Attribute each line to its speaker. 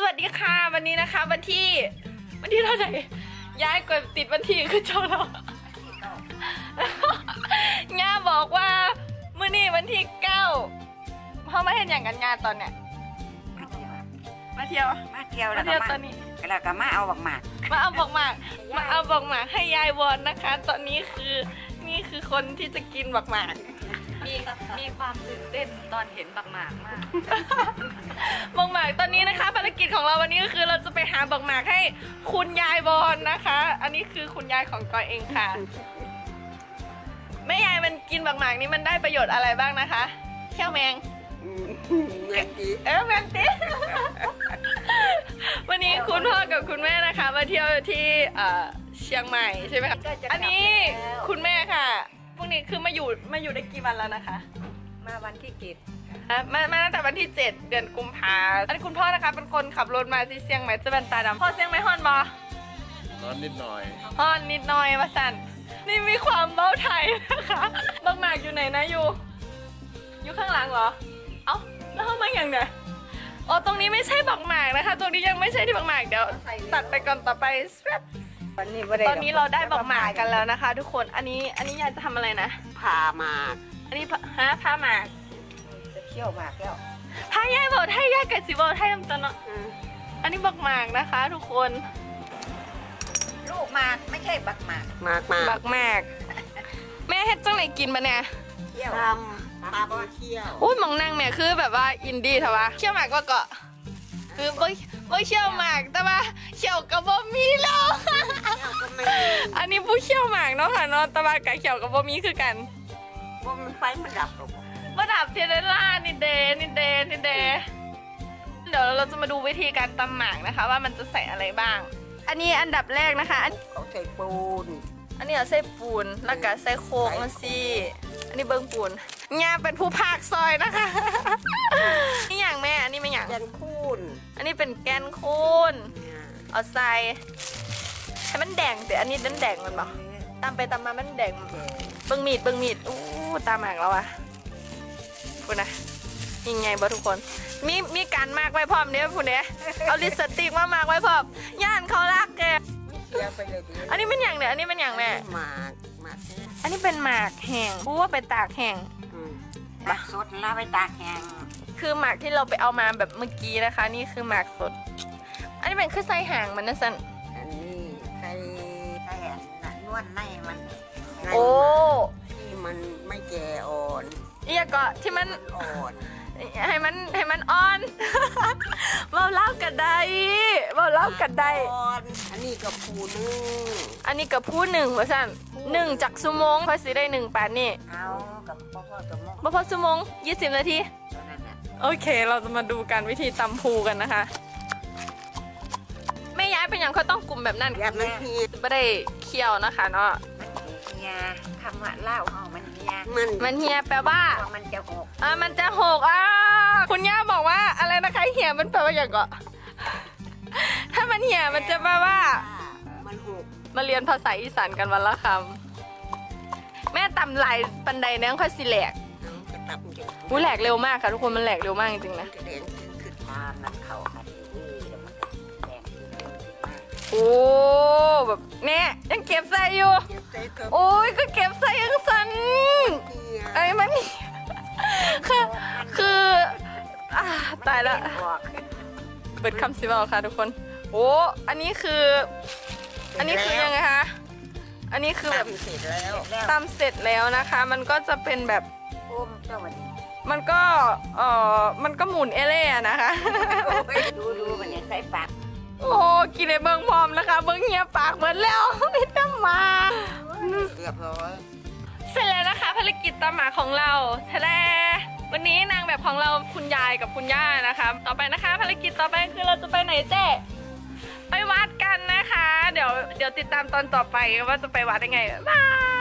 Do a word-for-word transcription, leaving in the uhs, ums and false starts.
Speaker 1: วัสดีค่ะวันนี้นะคะวันที่วันที่เท่าไหร่ย้ายกดติดวันที่คือเจ้าเราง่าบอกว่ามื้อนี้วันที่เก้าเขาไม่เห็นอย่างกันงานตอนเนี้ยมาเที่ยว
Speaker 2: มาเที่ยว
Speaker 1: มาเที่ยวตอนนี้
Speaker 2: แล้วก็มาเอาบักหมาก
Speaker 1: มาเอาบักหมากมาเอาบักหมากให้ยายวอนนะคะ ตอนนี้คือนี่คือคนที่จะกินบักหมาก
Speaker 3: มีมีความตื่นเต้นตอนเห็นบักหมากมาก
Speaker 1: บักหมากตอนนี้นะคะภารกิจของเราวันนี้ก็คือเราจะไปหาบักหมากให้คุณยายวอนนะคะ อันนี้คือคุณยายของกอยเองค่ะแม่ยายมันกินบักหมากนี้มันได้ประโยชน์อะไรบ้างนะคะเขี้ยวแมง
Speaker 2: แมงตี
Speaker 1: เออแมงตีวันนี้คุณพ่อกับคุณแม่นะคะมาเที่ยวที่เชียงใหม่ใช่ไหมคะอันนี้คุณแม่ค่ะพวกนี้คือมาอยู่มาอยู่ได้กี่วันแล้วนะคะ
Speaker 2: มาวันที่เจ็ด
Speaker 1: มามาตั้งแต่วันที่เจ็ดเดือนกุมภาพันธ์อันนี้คุณพ่อนะคะเป็นคนขับรถมาที่เชียงใหม่จะเป็นตาดำพ่อเชียงใหม่ฮอนบอ
Speaker 4: ฮอนนิดหน่อย
Speaker 1: ฮอนนิดหน่อยมาสั่นนี่มีความเบ้าไทยนะคะบักหมากอยู่ไหนนะอยู่อยู่ข้างหลังเหรอเอ้าแล้วเข้ามาอย่างไงอ๋อตรงนี้ไม่ใช่บักหมากนะคะตรงนี้ยังไม่ใช่ที่บักหมากเดี๋ยวตัดไปก่อนต่อไปตอนนี้เราได้บักหมากกันแล้วนะคะทุกคนอันนี้อันนี้ยายจะทำอะไรนะ
Speaker 2: ผ่าหมาก
Speaker 1: อันนี้ฮะผ่าหมาก
Speaker 2: จะเคี่ยวหมากแล้ว
Speaker 1: ผ่ายายบอกให้ยายกับสิบอกให้ทำตอนเนาะอันนี้บักหมากนะคะทุกคน
Speaker 2: ลูกหมากไม่ใช่บักหมากหมากหมาก
Speaker 1: บักหมากแม่เฮ็ดจังไหนกินปะเนี่ย
Speaker 2: เคี่ยวทำปลาเคี่ยว
Speaker 1: อุ้ยมองนางแม่คือแบบว่าอินดี้เถอะวะเคี่ยวหมากก็เกาะคือบ่บ่เคี่ยวหมากแต่ว่าเคี่ยวกับบ่มีแล้วอันนี้ผู้เคี่ยวหมากเนาะค่ะเนาะแต่ว่ากับเคี่ยวกับบ่มีคือกัน
Speaker 2: บ่มันไฟมันดับหรอก
Speaker 1: บ่ดับเทเดล่านี่เดนี่เดนี่เดเดี๋ยวเราจะมาดูวิธีการตำหมากนะคะว่ามันจะใส่อะไรบ้างอันนี้อันดับแรกนะคะ
Speaker 2: เขาใส่ปูน
Speaker 1: อันนี้เอาใส่ปูนแล้วก็ใส่โคกมาสิอันนี้เบิ้งปูนงาเป็นผู้พากซอยนะคะนี่อย่างแม่อันนี้ไม่อย่าง
Speaker 2: แกนคูน
Speaker 1: อันนี้เป็นแกนคูนเอาใส่ให้มันแดงแต่อันนี้นั้นแดงมันบอกตามไปตามมามันแดงเบิ้งมีดเบิ้งมีดอู้ตามหมากแล้วอะพูดนะยังไงบ่ทุกคนมีมีการมากไว้พร้อมเนี้ยพูดเนี้ยเอาลิปสติกมามากไว้พร้อมย่านเขารักแกอันนี้เป็นอย่างเนี่ยอันนี้เป็นอย่างแม่
Speaker 2: หมากหมาก
Speaker 1: อันนี้เป็นหมากแห้งพูดว่าไปตากแห้ง
Speaker 2: ตากสดแล้วไปตากแห้ง
Speaker 1: คือหมากที่เราไปเอามาแบบเมื่อกี้นะคะนี่คือหมากสดอันนี้เป็นคือไส้ห่างมันนะสัน
Speaker 2: อันนี้ไส้ไส้นวดในมัน
Speaker 1: โอ้
Speaker 2: ที่มันไม่แก่อ่อน
Speaker 1: เอียก็ที่มัน
Speaker 2: อ่อน
Speaker 1: ให้มันให้มันอ่อนเบาเล่ากันได้เบาเล่ากันได้
Speaker 2: อันนี้กับผูหนึ่ง
Speaker 1: อันนี้กับผู้หนึ่งว่าสั่นหนึ่งจากชั่วโมงพอสิได้หนึ่งปานนี่
Speaker 2: เอากับพ่อพ่อชั่วโมง
Speaker 1: พ่อพ่อชั่วโมงยี่สิบนาทีโอเคเราจะมาดูกันวิธีตำพูกันนะคะไม่ย้ายเป็นอย่างเขาต้องกลุ่มแบบนั้น
Speaker 2: แบบมันเฮีย
Speaker 1: ไม่ได้เคี่ยวนะคะเนาะ
Speaker 2: เฮียคำว่าเล่าเอามันเฮีย
Speaker 1: มันมันเฮียแปลว่า
Speaker 2: มันจะหก
Speaker 1: อ่ามันจะหกอ่าคุณย่าบอกว่าอะไรนะคะเหี่ยมันแปลว่าอย่างก็ถ้ามันเหี่ยมันจะแปลว่า
Speaker 2: มันหก
Speaker 1: มาเรียนภาษาอีสานกันวันละคำแม่ตำลายปันไดเนื้อค่อยสิแหลกอู้แหลกเร็วมากค่ะทุกคนมันแหลกเร็วมากจริงๆนะโอ้แบบเนี่ยยังเก็บใส่อยู่โอ้ยก็เก็บใส่ยังสันไอ้มันคือคือตายแล้วเปิดคำสิบเอาค่ะทุกคนโอ้อันนี้คืออันนี้คือยังไงคะอันนี้คือแบบ
Speaker 2: เสร็จแล้ว
Speaker 1: ตำเสร็จแล้วนะคะมันก็จะเป็นแบบมันก็เออมันก็หมุนเอเล่นะคะ
Speaker 2: ดูดูมันเนี่ยใส่ปาก
Speaker 1: โอ้กินในเบิ้งพร้อมนะคะเบิ้งเงียบปากเหมือนแล้วไม่ต้องมา
Speaker 2: เรียบร้อย
Speaker 1: เสร็จแล้วนะคะภารกิจตำหมากของเราทะเลวันนี้นางแบบของเราคุณยายกับคุณย่านะคะต่อไปนะคะภารกิจต่อไปคือเราจะไปไหนเจ๊ไปวัดกันนะคะเดี๋ยวเดี๋ยวติดตามตอนต่อไปว่าจะไปวัดยังไงบาย